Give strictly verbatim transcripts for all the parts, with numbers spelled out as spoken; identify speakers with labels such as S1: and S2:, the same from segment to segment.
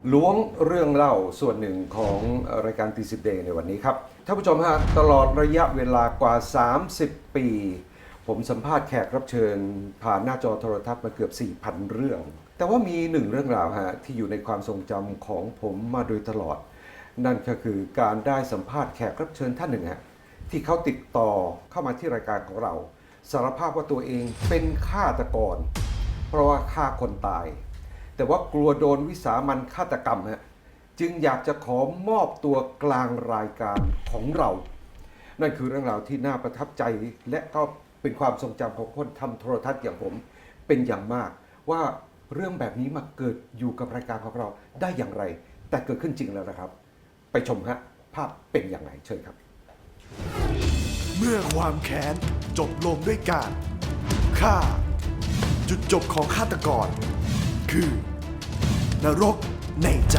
S1: ล้วงเรื่องเล่าส่วนหนึ่งของรายการตีสิบเดย์ในวันนี้ครับท่านผู้ชมฮะตลอดระยะเวลากว่าสามสิบปี ผมสัมภาษณ์แขกรับเชิญผ่านหน้าจอโทรทัศน์มาเกือบ สี่พัน เรื่อง แต่ว่ามีหนึ่งเรื่องราวฮะที่อยู่ในความทรงจำของผมมาโดยตลอด นั่นก็คือการได้สัมภาษณ์แขกรับเชิญท่านหนึ่งฮะที่เขาติดต่อเข้ามาที่รายการของเราสารภาพว่าตัวเองเป็นฆาตกรเพราะว่าฆ่าคนตายแต่ว่ากลัวโดนวิสามัญฆาตกรรมฮะจึงอยากจะขอมอบตัวกลางรายการของเรา นั่นคือเรื่องราวที่น่าประทับใจและก็เป็นความทรงจำของคนทำโทรทัศน์อย่างผมเป็นอย่างมากว่าเรื่องแบบนี้มาเกิดอยู่กับรายการของเราได้อย่างไรแต่เกิดขึ้นจริงแล้วนะครับไปชมฮะภาพเป็นอย่างไรเชิญครับ
S2: เมื่อความแค้นจบลงด้วยการฆ่าจุดจบของฆาตกรคือนรกในใจ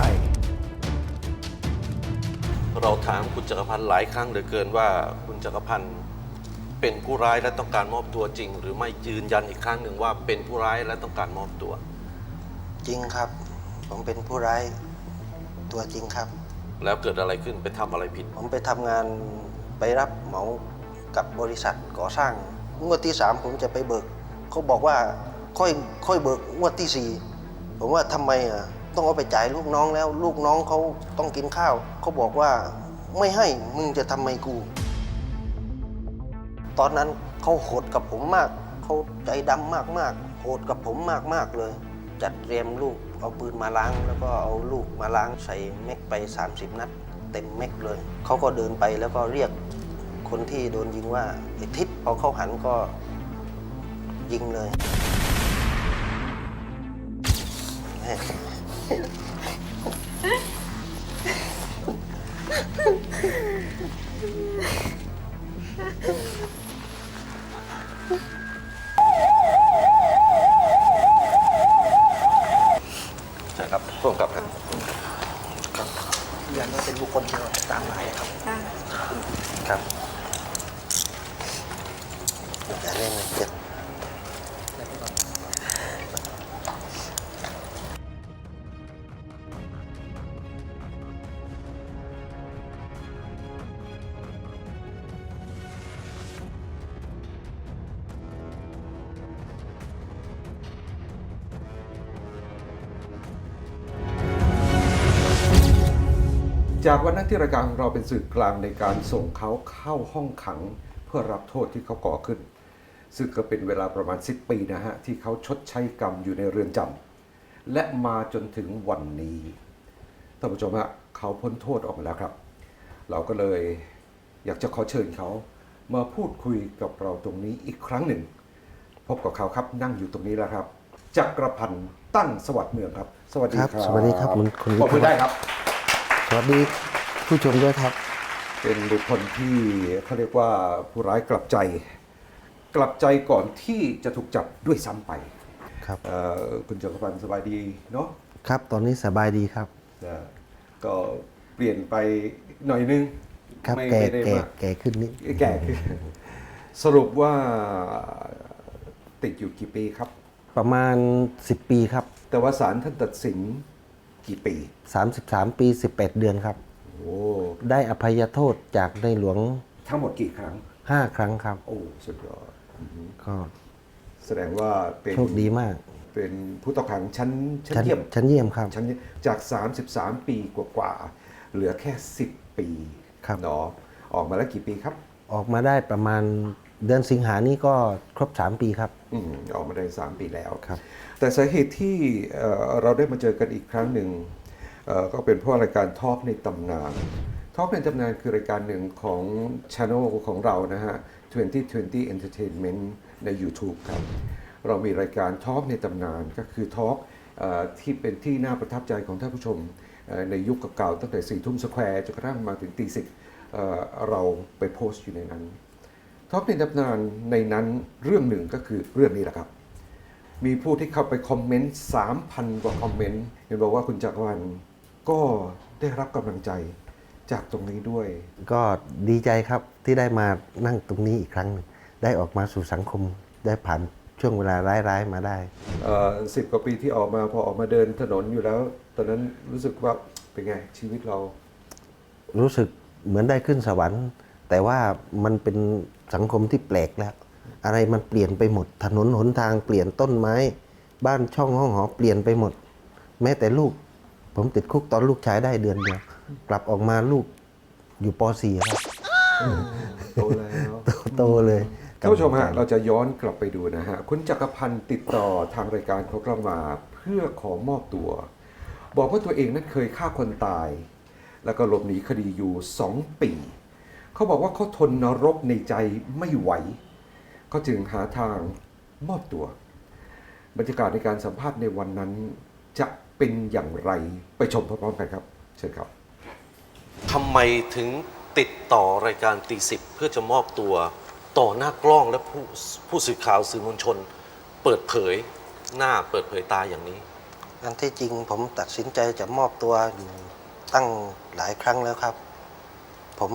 S3: เราถามคุณจักรพันธ์หลายครั้งเหลือเกินว่าคุณจักรพันธ์เป็นผู้ร้ายและต้องการมอบตัวจริงหรือไม่ยืนยันอีกครั้งหนึ่งว่าเป็นผู้ร้ายและต้องการมอบตัว
S4: จริงครับผมเป็นผู้ร้ายตัวจริงครับ
S3: แล้วเกิดอะไรขึ้นไปทำอะไรผิด
S4: ผมไปทำงานไปรับเหมากับบริษัทก่อสร้างงวดที่สามผมจะไปเบิกเขาบอกว่าค่อยค่อยเบิกงวดที่สี่ผมว่าทำไมอ่ะต้องเอาไปจ่ายลูกน้องแล้วลูกน้องเขาต้องกินข้าวเขาบอกว่าไม่ให้มึงจะทำไมกูตอนนั้นเขาโหดกับผมมากเขาใจดำมากๆโหดกับผมมากๆเลยจัดเตรียมลูกเอาปืนมาล้างแล้วก็เอาลูกมาล้างใส่แม็กไปสามสิบนัดเต็มแม็กเลยเขาก็เดินไปแล้วก็เรียกคนที่โดนยิงว่าไอ้ทิศพอเขาหันก็ยิงเลย
S3: ใช่ครับร่วมกับครับ
S4: ครับยันว่าเป็นบุคคลที่เราตามหมายครับครับอย่าเล่นเลยเจ็บ
S1: จากวันนั้นที่รายการของเราเป็นสื่อกลางในการส่งเขาเข้าห้องขังเพื่อรับโทษที่เขาก่อขึ้นซึ่งก็เป็นเวลาประมาณสิบปีนะฮะที่เขาชดใช้กรรมอยู่ในเรือนจำและมาจนถึงวันนี้ท่านผู้ชมฮะเขาพ้นโทษออกมาแล้วครับเราก็เลยอยากจะขอเชิญเขามาพูดคุยกับเราตรงนี้อีกครั้งหนึ่งพบกับเขาครับนั่งอยู่ตรงนี้แล้วครับจักรพันธ์ตั้งสวัสดิ์เมืองครับสวัสดีครับ
S4: สวัสดีครับคุณ
S1: คุณบอกได้ครับ
S4: สวัสดีผู้ชมด้วยครับ
S1: เป็นบุคคลที่เขาเรียกว่าผู้ร้ายกลับใจกลับใจก่อนที่จะถูกจับด้วยซ้ำไป
S4: ครับ
S1: คุณจักรพันธ์สบายดีเนาะ
S4: ครับตอนนี้สบายดีครับ
S1: ก็เปลี่ยนไปหน่อยนึง
S4: ครับแก่แก่แก่ขึ้นนิด
S1: แก่ขึ้นสรุปว่าติดอยู่กี่ปีครับ
S4: ประมาณสิบปีครับ
S1: แต่ว่าศาลท่านตัดสินกี่ปี
S4: สามสิบสามปีสิบแปดเดือนครับ
S1: โอ้
S4: ได้อภัยโทษจากในหลวง
S1: ทั้งหมดกี่ครั้ง
S4: ห้าครั้งครับ
S1: โอ้สุดยอด
S4: ก็
S1: แสดงว่าเป็น
S4: โชคดีมาก
S1: เป็นผู้ต้องขังชั้นชั้นเยี่ยม
S4: ชั้นเยี่ยมครับ
S1: ชั้นจากสามสิบสามปีกว่าๆเหลือแค่สิบปี
S4: ครับ
S1: เนาะออกมาแล้วกี่ปีครับ
S4: ออกมาได้ประมาณเดือนสิงหานี้ก็ครบสามปีครับ
S1: อืมออกมาได้สามปีแล้ว
S4: ครับ
S1: แต่สาเหตุที่เราได้มาเจอกันอีกครั้งหนึ่งก็เป็นเพราะรายการทอล์กในตำนานทอล์กในตำนานคือรายการหนึ่งของ Channel ของเรานะฮะยี่สิบยี่สิบ Entertainment ใน YouTube ครับเรามีรายการทอล์กในตำนานก็คือทอล์กที่เป็นที่น่าประทับใจของท่านผู้ชมในยุคเก่าๆตั้งแต่สี่ทุ่มสแควร์จนกระทั่งมาถึงตีสิบเราไปโพสต์อยู่ในนั้นทอล์กในตำนานในนั้นเรื่องหนึ่งก็คือเรื่องนี้แหละครับมีผู้ที่เข้าไปคอมเมนต์ สามพัน กว่าคอมเมนต์เห็นบอกว่าคุณจักรวรรดิก็ได้รับกำลังใจจากตรงนี้ด้วย
S4: ก็ดีใจครับที่ได้มานั่งตรงนี้อีกครั้งนึงได้ออกมาสู่สังคมได้ผ่าน
S5: ช่วงเวลาร้ายๆมาได้
S1: สิบกว่าปีที่ออกมาพอออกมาเดินถนนอยู่แล้ว ตอนนั้นรู้สึกว่าเป็นไงชีวิตเรา
S5: รู้สึกเหมือนได้ขึ้นสวรรค์ แต่ว่ามันเป็นสังคมที่แปลกแล้ว อะไรมันเปลี่ยนไปหมด ถนนหนทางเปลี่ยนต้นไม้ บ้านช่องห้องหอเปลี่ยนไปหมด แม้แต่ลูก ผมติดคุกตอนลูกชายได้เดือนเดียว กลับออกมาลูกอยู่ป .สี่ ครับ
S1: โตแล้ว
S5: โตเลย
S1: ท่านผู้ชมฮะเราจะย้อนกลับไปดูนะฮะคุณจักรพันธ์ติดต่อทางรายการของเรามาเพื่อขอมอบตัว บอกว่าตัวเองนั้นเคยฆ่าคนตาย แล้วก็หลบหนีคดีอยู่สองปีเขาบอกว่าเขาทนนรกในใจไม่ไหวเขาจึงหาทางมอบตัว บรรยากาศในการสัมภาษณ์ในวันนั้นจะเป็นอย่างไรไปชมพร้อมๆกันครับเชิญครับ
S3: ทำไมถึงติดต่อรายการตีสิบเพื่อจะมอบตัวต่อหน้ากล้องและผู้ผู้สื่อข่าวสื่อมวลชน เปิดเผยหน้าเปิดเผยตาอย่างนี้
S4: อันที่จริงผมตัดสินใจจะมอบตัวอยู่ตั้งหลายครั้งแล้วครับ ผม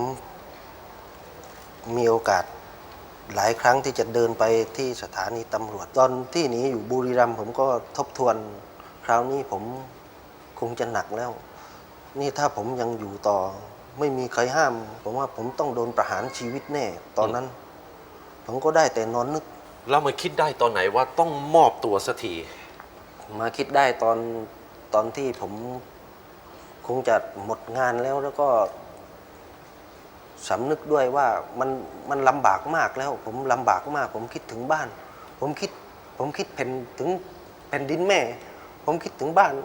S4: มีโอกาสหลายครั้งที่จะเดินไปที่สถานีตำรวจ ตอนที่หนีอยู่บุรีรัมย์ผมก็ทบทวนคราวนี้ผมคงจะหนักแล้ว นี่ถ้าผมยังอยู่ต่อไม่มีใครห้าม ผมว่าผมต้องโดนประหารชีวิตแน่ ตอนนั้น ผมก็ได้แต่นอนนึก
S3: แล้วมาคิดได้ตอนไหนว่าต้องมอบตัวสักที
S4: มาคิดได้ตอนตอนที่ผมคงจะหมดงานแล้วแล้วก็สำนึกด้วยว่ามันมันลำบากมากแล้ว ผมลำบากมาก ผมคิดถึงบ้าน ผมคิด ผมคิดแผ่นถึงแผ่นดินแม่ ผมคิดถึงบ้าน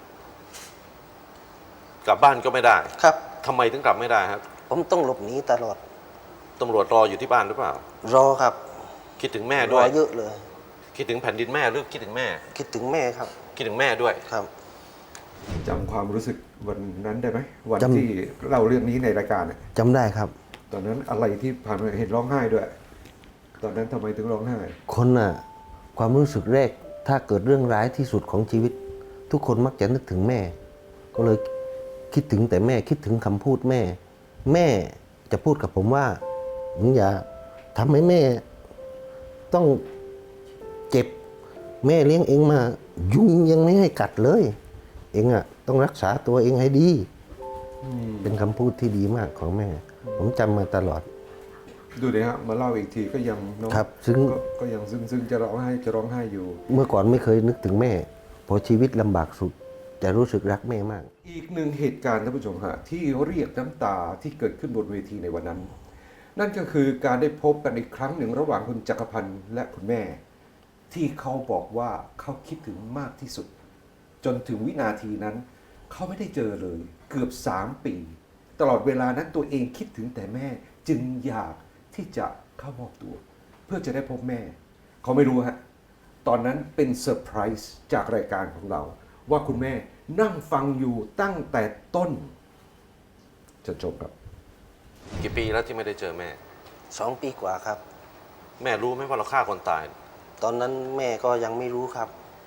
S3: กลับบ้านก็ไม่ได้
S4: ครับ
S3: ทำไมถึงกลับไม่ได้ครับ
S4: ผมต้องหลบหนีตลอด
S3: ตำรวจรออยู่ที่บ้านหรือเปล่า
S4: รอครับ
S3: คิดถึงแม่
S4: ร
S3: ด้ว
S4: อย เยอะเลย
S3: คิดถึงแผ่นดินแม่หรือคิดถึงแม่
S4: คิดถึงแม่ครับ
S3: คิดถึงแม่ด้วย
S4: ครับ
S1: จำความรู้สึกวันนั้นได้ไหมวัน
S5: จำ
S1: ที่เล่าเรื่องนี้ในรายการน่ะ
S5: จำได้ครับ
S1: ตอนนั้นอะไรที่ผ่านมาเห็นร้องไห้ด้วย ตอนนั้นทำไมถึงร้องไห้
S5: คนน่ะความรู้สึกแรกถ้าเกิดเรื่องร้ายที่สุดของชีวิต ทุกคนมักจะนึกถึงแม่ ก็เลยคิดถึงแต่แม่คิดถึงคำพูดแม่ แม่จะพูดกับผมว่ามึงอย่าทำให้แม่ ต้องเจ็บ แม่เลี้ยงเองมายุงยังไม่ให้กัดเลย เองอ่ะต้องรักษาตัวเองให้ดี เป็นคำพูดที่ดีมากของแม่ ผมจำมาตลอด
S1: ดูดิฮะมาเล่าอีกทีก็ยังเนอะ
S5: ครับซึ้ง
S1: ก็ก็ยังซึ้งซึ้งจะร้องไห้จะร้องไห้อยู่
S5: เมื่อก่อนไม่เคยนึกถึงแม่ พอชีวิตลำบากสุด จะรู้สึกรักแม่มาก
S1: อีกหนึ่งเหตุการณ์ท่านผู้ชมฮะที่เรียกน้ำตาที่เกิดขึ้นบนเวทีในวันนั้น นั่นก็คือการได้พบกันอีกครั้งหนึ่งระหว่างคุณจักรพันธ์และคุณแม่ ที่เขาบอกว่าเขาคิดถึงมากที่สุด จนถึงวินาทีนั้น เขาไม่ได้เจอเลย เกือบสามปี ตลอดเวลานั้นตัวเองคิดถึงแต่แม่ จึงอยากที่จะเข้ามอบตัว เพื่อจะได้พบแม่ เขาไม่รู้ฮะตอนนั้นเป็นเซอร์ไพรส์จากรายการของเรา ว่าคุณแม่นั่งฟังอยู่ตั้งแต่ต้น จะจบครับ
S3: กี่ปีแล้วที่ไม่ได้เจอแม่
S4: สองปีกว่าครับ
S3: แม่รู้ไหมว่าเราฆ่าคนตาย
S4: ตอนนั้นแม่ก็ยังไม่รู้ครับ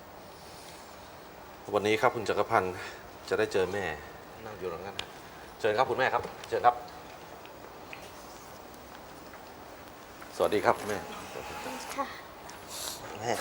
S3: วันนี้ครับคุณจักรพันธ์จะได้เจอแม่นั่งอยู่ตรงนั้นนะเชิญครับคุณแม่ครับเชิญครับ สวัสดีครับคุณแม่
S4: แม่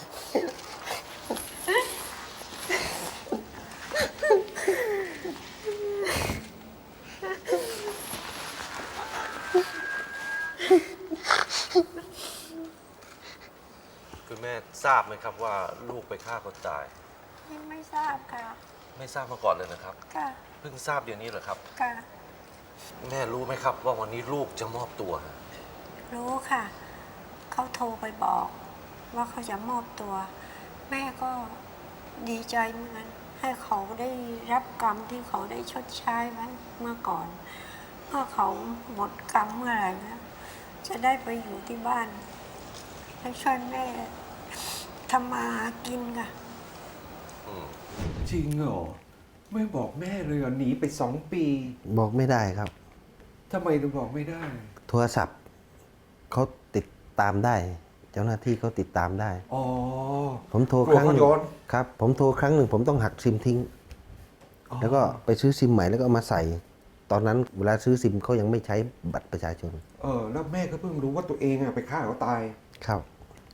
S3: คุณแม่ทราบไหมครับว่าลูกไปฆ่าคนตาย
S6: ไม่ทราบค่ะ
S3: ไม่ทราบมาก่อนเลยนะครับ
S6: ค่ะ
S3: เพิ่งทราบเดี๋ยวนี้เหรอครับ
S6: ค่ะ
S3: แม่รู้ไหมครับว่าวันนี้ลูกจะมอบตัว
S6: รู้ค่ะ เขาโทรไปบอก ว่าเขาจะมอบตัว แม่ก็ดีใจเหมือนกันให้เขาได้รับกรรมที่เขาได้ชดใช้ไว้เมื่อก่อน เมื่อเขาหมดกรรมเมื่อไหร่นะจะได้ไปอยู่ที่บ้านให้ช่วยแม่ทำมาหากินค่ะ
S1: จริงเหรอไม่บอกแม่เลยเหรอหนีไปสองปี
S5: บอกไม่ได้ครับ
S1: ทำไมถึงบอกไม่ได้
S5: โทรศัพท์เขาติดตามได้ เจ้าหน้าที่เขาติดตามได้
S1: อ๋อ
S5: ผมโทร
S1: กลัว
S5: ครั้งหนึ่
S1: เขาย้
S5: ง
S1: อน
S5: ครับ ผมโทรครั้งหนึ่งผมต้องหักซิมทิ้ง
S1: อ๋อ
S5: แล้วก็ไปซื้อซิมใหม่แล้วก็เอามาใส่ ตอนนั้นเวลาซื้อซิมเขายังไม่ใช้บัตรประชาชน
S1: เออแล้วแม่ก็เพิ่งรู้ว่าตัวเองอะไปฆ่าเขาตาย
S5: ครับ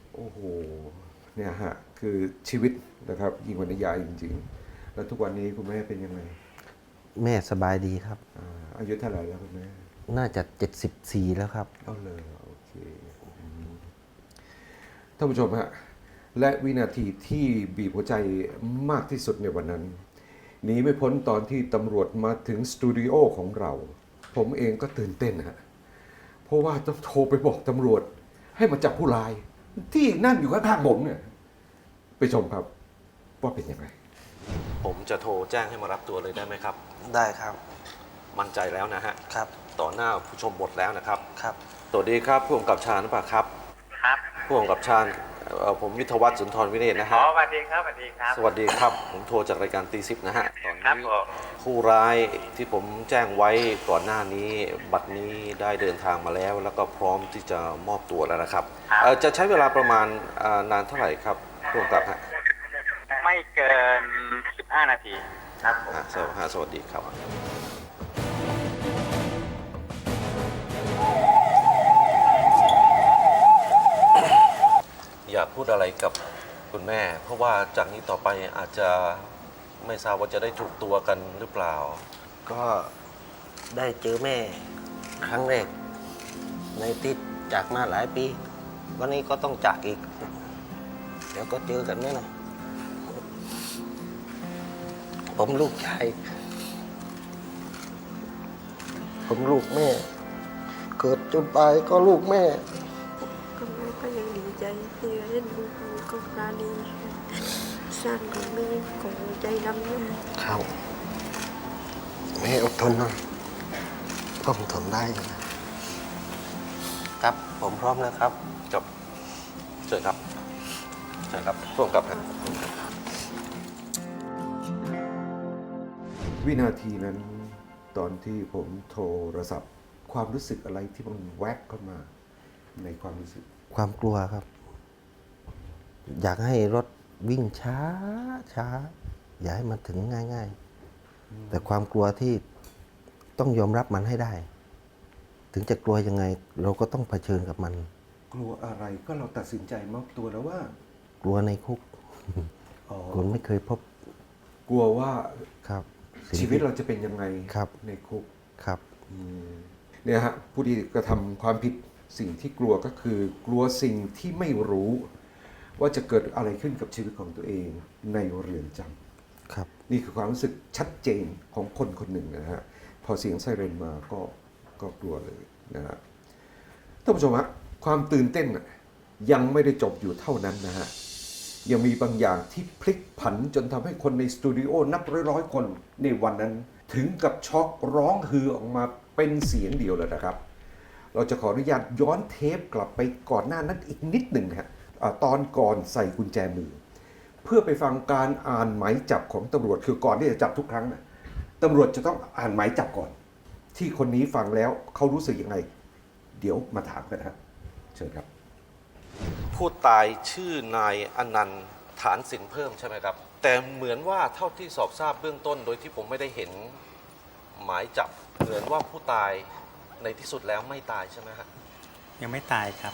S1: โอ้โหเนี่ยฮะคือชีวิตนะครับยิ่งกว่านิยายจริงๆ แล้วทุกวันนี้คุณแม่เป็นยังไง
S5: แม่สบายดีครับ
S1: อ่าอายุเท่าไหร่แล้วคุณแม่
S5: น่าจะเจ็ดสิบสี่แล้วครับ
S1: เอาเลยโอเคอืมท่านผู้ชมฮะและวินาทีที่บีบหัวใจมากที่สุดในวันนั้นหนีไม่พ้นตอนที่ตำรวจมาถึงสตูดิโอของเรา ผมเองก็ตื่นเต้นฮะเพราะว่าต้องโทรไปบอกตำรวจให้มาจับผู้ร้าย ที่นั่งอยู่ข้างๆผมเนี่ยไปชมครับว่าเป็นยังไง
S3: ผมจะโทรแจ้งให้มารับตัวเลยได้ไหมครับ
S4: ได้ครับ
S3: มั่นใจแล้วนะฮะ
S4: ครับ
S3: ต่อหน้าผู้ชมหมดแล้วนะครับ
S4: ครับ
S3: สวัสดีครับผู้กำกับชาญหรือเปล่าครับ
S7: ครับ
S3: ผู้กำกับชาญเอ่อผมวิทยวัฒน์สุนทรวิเนศนะ
S7: อ๋อ
S3: ฮะ
S7: สวัสดีครับสวัสดีครับ
S3: สวัสดีครับ ผมโทรจากรายการตีสิบนะฮะ ตอน
S7: ครับ
S3: นี้
S7: ผม
S3: ผู้ร้ายที่ผมแจ้งไว้ก่อนหน้านี้ บัดนี้ได้เดินทางมาแล้ว แล้วก็พร้อมที่จะมอบตัวแล้วนะครับเอ่อจะใช้เวลาประมาณอ่านานเท่าไหร่ครับผู้กำกับฮะ
S7: ไม่เกิน สิบห้า นาทีครับผม
S3: อ่ะสวัสดีฮะสวัสดีครับ อยากพูดอะไรกับคุณแม่ เพราะว่าจากนี้ต่อไปอาจจะไม่ทราบว่าจะได้ถูกตัวกันหรือเปล่า
S4: ก็ได้เจอแม่ครั้งแรก ในติดจากมาหลายปี วันนี้ก็ต้องจากอีก เดี๋ยวก็เจอกันแน่นอนผมลูกชาย ผมลูกแม่ เกิดจนตายก็ลูกแม่
S6: ก็แม่ก็ยังดีใจที่เล่นลูกมีก็ปราณีสร้างของแม่ของใจดำนี่
S4: ครับแม่อดทนหน่อยผมทนได้อยู่นะ ครับผมพร้อมแล้วครับ
S3: ครับเชิญครับเชิญครับผู้กำกับครับ
S1: วินาทีนั้นตอนที่ผมโทรศัพท์ ความรู้สึกอะไรที่มันแวบเข้ามาในความรู้สึก
S5: ความกลัวครับ อยากให้รถวิ่งช้าช้า อย่าให้มันถึงง่าย ๆ แต่ความกลัวที่ต้องยอมรับมันให้ได้ ถึงจะกลัวยังไง เราก็ต้องเผชิญกับมัน
S1: กลัวอะไรก็เราตัดสินใจมอบตัวแล้วว่า
S5: กลัวในคุก
S1: อ๋อ
S5: คนไม่เคยพบ
S1: กลัวว่า
S5: ครับสิ่ง
S1: ชีวิตเราจะเป็นยังไง
S5: ครับ
S1: ในคุก
S5: ครับ
S1: อืมเนี่ยฮะผู้ที่กระทำความผิดสิ่งที่กลัวก็คือ กลัวสิ่งที่ไม่รู้ ว่าจะเกิดอะไรขึ้นกับชีวิตของตัวเองในเรือนจำ
S5: ครับ
S1: นี่คือความรู้สึกชัดเจนของคนคนหนึ่งนะฮะพอเสียงไซเรนมาก็ก็กลัวเลยนะฮะท่านผู้ชมฮะความตื่นเต้นน่ะยังไม่ได้จบอยู่เท่านั้นนะฮะยังมีบางอย่างที่พลิกผันจนทำให้คนในสตูดิโอนับร้อยๆคนในวันนั้น ถึงกับช็อกร้องฮือออกมาเป็นเสียงเดียวเลยนะครับ เราจะขออนุญาตย้อนเทปกลับไปก่อนหน้านั้นอีกนิดหนึ่งฮะอ่าตอนก่อนใส่กุญแจมือ เพื่อไปฟังการอ่านหมายจับของตำรวจคือก่อนที่จะจับทุกครั้งนะตำรวจจะต้องอ่านหมายจับก่อน ที่คนนี้ฟังแล้วเขารู้สึกยังไง เดี๋ยวมาถามกันนะครับเชิญครับ
S3: ผู้ตายชื่อนายอนันต์ฐานสินเพิ่มใช่ไหมครับ แต่เหมือนว่าเท่าที่สอบทราบเบื้องต้น โดยที่ผมไม่ได้เห็นหมายจับ เหมือนว่าผู้ตายในที่สุดแล้วไม่ตายใช่ไหมฮะ
S7: ยังไม่ตายครับ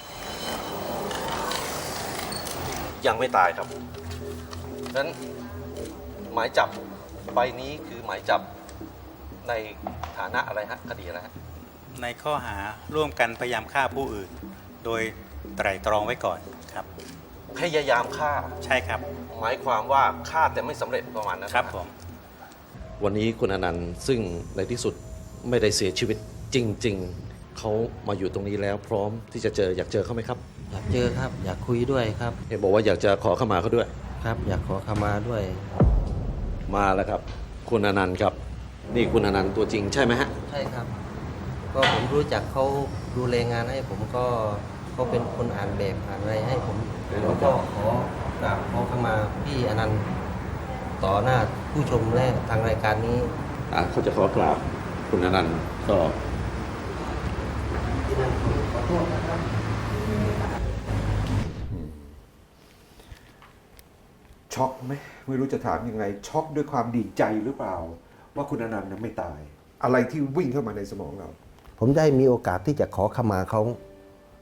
S3: ยังไม่ตายครับนั้นหมายจับใบนี้คือหมายจับในฐานะอะไรฮะคดีอะไรฮะ
S7: ในข้อหาร่วมกันพยายามฆ่าผู้อื่น โดยไตร่ตรองไว้ก่อนครับ
S3: พยายามฆ่า
S7: ใช่ครับ
S3: หมายความว่าฆ่าแต่ไม่สำเร็จประมาณนั้น
S7: ครับ
S3: นะ
S7: ผม
S3: วันนี้คุณอนันต์ซึ่งในที่สุดไม่ได้เสียชีวิตจริง ๆ เขามาอยู่ตรงนี้แล้วพร้อมที่จะเจออยากเจอเขาไหมครับ
S5: อยากเจอครับ อยากคุยด้วยครับ
S3: เห็นบอกว่าอยากจะขอเข้ามาเขาด้วย
S5: ครับ อยากขอขมาด้วย
S3: มาแล้วครับ คุณอนันต์ครับ นี่คุณอนันต์ตัวจริงใช่ไหมฮะ
S5: ใช่ครับ ก็ผมรู้จักเขาดูแลงานให้ผมก็เขาเป็นคนอ่านแบบอ่านอะไรให้ผมผมก็ขอกราบขอขมาพี่อนันต์ต่อหน้าผู้ชมและทางรายการนี้
S3: อ่ะเขาจะขอกราบคุณอนันต์ก็
S5: พี่อนันต์ขอโทษนะครับ
S1: ช็อกไหมไม่รู้จะถามยังไง ช็อกด้วยความดีใจหรือเปล่า ว่าคุณอนันต์นั้นไม่ตาย อะไรที่วิ่งเข้ามาในสมองเรา
S5: ผมได้มีโอกาสที่จะขอขมาเขา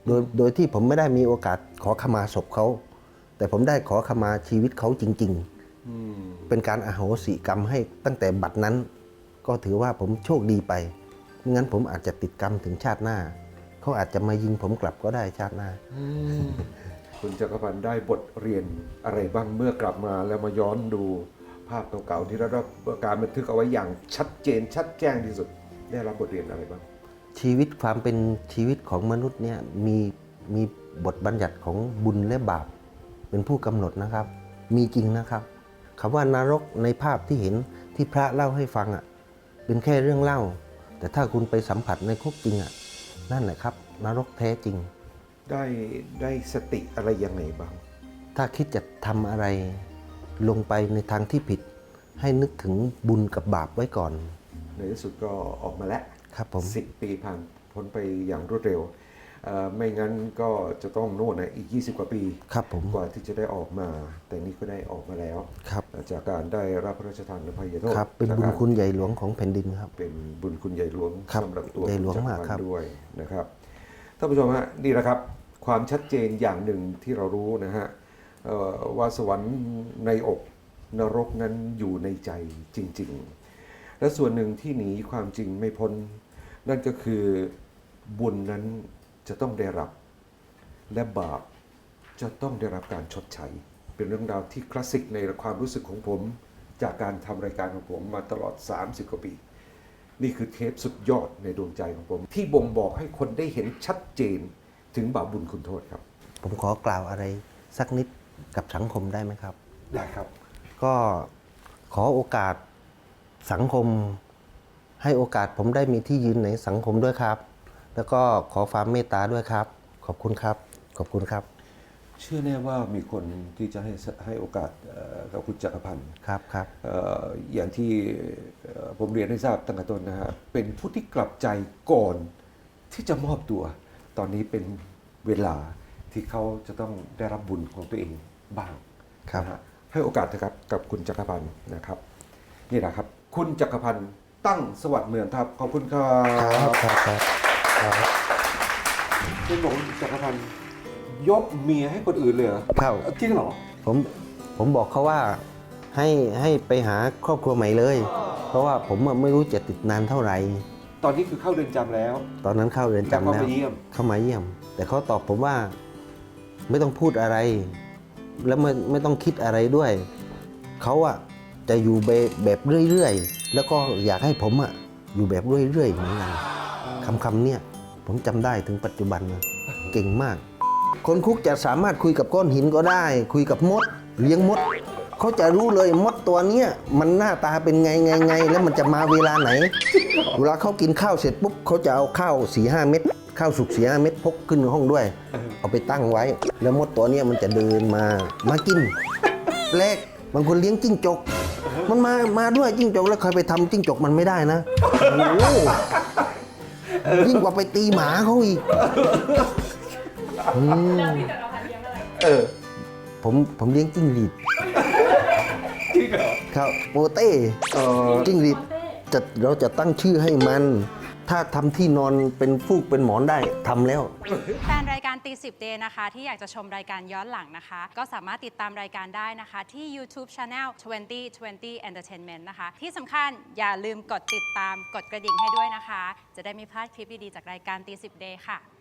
S5: โดยโดยที่ผมไม่ได้มีโอกาสขอขมาศพเขา แต่ผมได้ขอขมาชีวิตเขาจริง
S1: อืม
S5: ๆ เป็นการอโหสิกรรมให้ตั้งแต่บัดนั้น ก็ถือว่าผมโชคดีไปไม่งั้นผมอาจจะติดกรรมถึงชาติหน้า เขาอาจจะมายิงผมกลับก็ได้ชาติหน้า
S1: คุณจักรพันธ์ได้บทเรียนอะไรบ้างเมื่อกลับมาแล้วมาย้อนดูภาพเก่าๆที่ได้รับการบันทึกเอาไว้อย่างชัดเจนชัดแจ้งที่สุด ได้รับบทเรียนอะไรบ้าง
S5: ชีวิตความเป็นชีวิตของมนุษย์เนี่ยมีมีบทบัญญัติของบุญและบาปเป็นผู้กำหนดนะครับ มีจริงนะครับคำว่านรกในภาพที่เห็นที่พระเล่าให้ฟังอ่ะเป็นแค่เรื่องเล่า แต่ถ้าคุณไปสัมผัสในคุกจริงอ่ะนั่นแหละครับนรกแท้จริง
S1: ได้ได้สติอะไรยังไงบ้าง
S5: ถ้าคิดจะทำอะไรลงไปในทางที่ผิด ให้นึกถึงบุญกับบาปไว้ก่อน
S1: ในที่สุดก็ออกมาแล้ว
S5: ครับผม
S1: สิบปีผ่านพ้นไปอย่างรวดเร็วเอ่อไม่งั้นก็จะต้องโน่นนะอีก ยี่สิบ กว่าปี
S5: ครับผม
S1: กว่าที่จะได้ออกมา แต่นี่ก็ได้ออกมาแล้ว
S5: ครับ
S1: จากการได้รับพระราชทานอภัยโทษ
S5: ครับเป็นบุญคุณใหญ่หลวงของแผ่นดินครับ
S1: เป็นบุญคุณใหญ่หลวง
S5: ครับ
S1: สำหรับตัว
S5: ใหญ่หลวง
S1: คุณ
S5: มาก
S1: จัร
S5: ครับ
S1: พันธ์ด้วยนะครับท่านผู้ชมฮะนี่แหละครับความชัดเจนอย่างหนึ่งที่เรารู้นะฮะเอ่อว่าสวรรค์ในอกนรกนั้นอยู่ในใจจริง ๆ และส่วนหนึ่งที่หนีความจริงไม่พ้น นั่นก็คือบุญนั้นจะต้องได้รับ และบาปจะต้องได้รับการชดใช้ เป็นเรื่องราวที่คลาสสิกในความรู้สึกของผม จากการทำรายการของผมมาตลอด สามสิบ กว่าปี นี่คือเทปสุดยอดในดวงใจของผม ที่บ่งบอกให้คนได้เห็นชัดเจนถึงบาปบุญคุณโทษครับ
S5: ผมขอกล่าวอะไรสักนิดกับสังคมได้ไหมครับ
S1: ได้ครับ
S5: ก็ขอโอกาสสังคม ให้โอกาสผมได้มีที่ยืนในสังคมด้วยครับ แล้วก็ขอความเมตตาด้วยครับ ขอบคุณครับ ขอบคุณครับ
S1: เชื่อแน่ว่ามีคนที่จะให้ให้โอกาสเอ่อกับคุณจักรพันธ์
S5: ครับครับ
S1: เอ่ออย่างที่เอ่อผมเรียนให้ทราบตั้งแต่ต้นนะฮะเป็นผู้ที่กลับใจก่อนที่จะมอบตัว ตอนนี้เป็นเวลาที่เขาจะต้องได้รับบุญของตัวเองบ้าง
S5: ครับ
S1: นะฮะให้โอกาสนะครับกับคุณจักรพันธ์นะครับ นี่แหละครับ คุณจักรพันธ์ตั้งสวัสดิ์เมืองครับขอบคุณครั
S5: ครับ บครับครับครับ
S1: เป็นบอกคุณจักรพันธ์ยกเมียให้คนอื่นเลยเหรอ
S5: ครับ
S1: จริงเหรอ
S5: ผมผมบอกเขาว่าให้ให้ไปหาครอบครัวใหม่เลย เพราะว่าผมอะไม่รู้จะติดนานเท่าไหร่
S1: ตอนนี้คือเข้าเรือนจำแล้ว
S5: ตอนนั้นเข้าเรือน
S1: แต่
S5: จำ
S1: ก็
S5: แล้ว
S1: ไปเยี่ยม
S5: เข้ามาเยี่ยม แต่เขาตอบผมว่าไม่ต้องพูดอะไร แล้วไม่ไม่ต้องคิดอะไรด้วย เขาอะจะอยู่แบบแบบเรื่อยๆ แล้วก็อยากให้ผมอะอยู่แบบเรื่อยๆเหมือนกันคำคำเนี่ยผมจำได้ถึงปัจจุบันนะเก่งมาก คนคุกจะสามารถคุยกับก้อนหินก็ได้ คุยกับมด เลี้ยงมด เขาจะรู้เลยมดตัวเนี้ยมันหน้าตาเป็นไงไงไงแล้วมันจะมาเวลาไหน เวลาเขากินข้าวเสร็จปุ๊บเขาจะเอาข้าวสี่ห้าเม็ดข้าวสุกสี่ห้าเม็ดพกขึ้นห้องด้วย เอาไปตั้งไว้ แล้วมดตัวเนี้ยมันจะเดินมามากินแรกบางคนเลี้ยงจิ้งจก มันมามาด้วยจิ้งจกแล้วใครไปทำจิ้งจกมันไม่ได้นะโอ้โหยิ่งกว่าไปตีหมาเขาอีกอืม
S1: เออ
S5: ผมผมเลี้ยงจิ้งหรีด
S1: จริงเหรอ
S5: ครับโปเต้
S1: เออ
S5: จิ้งหรีดจะเราจะตั้งชื่อให้มัน ถ้าทำที่นอนเป็นฟูกเป็นหมอนได้ทำแล้ว
S8: แฟนรายการตีสิบเดย์นะคะที่อยากจะชมรายการย้อนหลังนะคะ ก็สามารถติดตามรายการได้นะคะที่ YouTube Channel ยี่สิบ ยี่สิบ Entertainment นะคะ ที่สำคัญอย่าลืมกดติดตามกดกระดิ่งให้ด้วยนะคะ จะได้ไม่พลาดคลิปดี ๆ จากรายการตีสิบเดย์ค่ะ